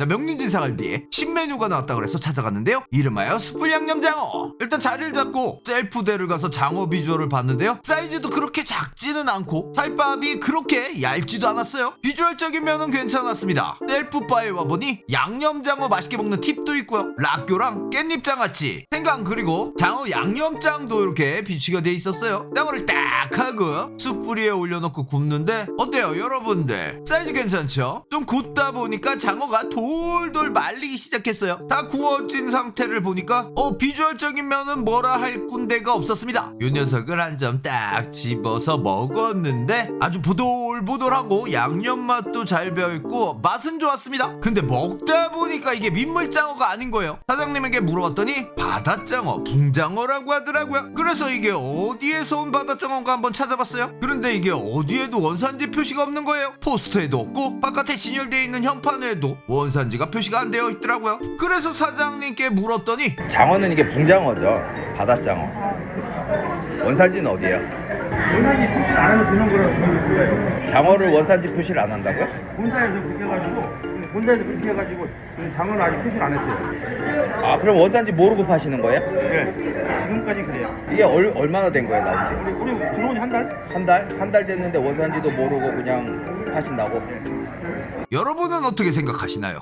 자, 명륜진사갈비에 신메뉴가 나왔다 그래서 찾아갔는데요. 이름하여 숯불 양념장어. 일단 자리를 잡고 셀프대를 가서 장어 비주얼을 봤는데요. 사이즈도 그렇게 작지는 않고 살밥이 그렇게 얇지도 않았어요. 비주얼적인 면은 괜찮았습니다. 셀프바에 와보니 양념장어 맛있게 먹는 팁도 있고요. 락교랑 깻잎장아찌, 생강 그리고 장어 양념장도 이렇게 비치가 돼 있었어요. 장어를 딱 하고 숯불 위에 올려놓고 굽는데 어때요 여러분들? 사이즈 괜찮죠? 좀 굽다 보니까 장어가 돌돌 말리기 시작했어요. 다 구워진 상태를 보니까 비주얼적인 면은 뭐라 할 꾼데가 없었습니다. 요 녀석을 한 점 딱 집어서 먹었는데 아주 보들보들하고 양념 맛도 잘 배어있고 맛은 좋았습니다. 근데 먹다 보니까 이게 민물장어가 아닌 거예요. 사장님에게 물어봤더니 바다장어, 붕장어라고 하더라고요. 그래서 이게 어디에서 온 바다장어인가 한번 찾아봤어요. 그런데 이게 어디에도 원산지 표시가 없는 거예요. 포스터에도 없고 바깥에 진열되어 있는 현판에도 원산지가 표시가 안 되어 있더라고요. 그래서 사장님께 물었더니 장어는 이게 붕장어죠. 바다장어. 원산지는 어디예요? 원산지 표시를 안 하면 그런 거라고 보는 거예요. 장어를 원산지 표시를 안 한다고요? 본사에서 그렇게 해가지고 장어는 아직 표시를 안 했어요. 아, 그럼 원산지 모르고 파시는 거예요? 네, 지금까지 그래요. 이게 얼마나 된 거예요, 나온 지? 우리 들어온 지 한 달? 한 달? 한 달 됐는데 원산지도 모르고 그냥 파신다고? 여러분은 어떻게 생각하시나요?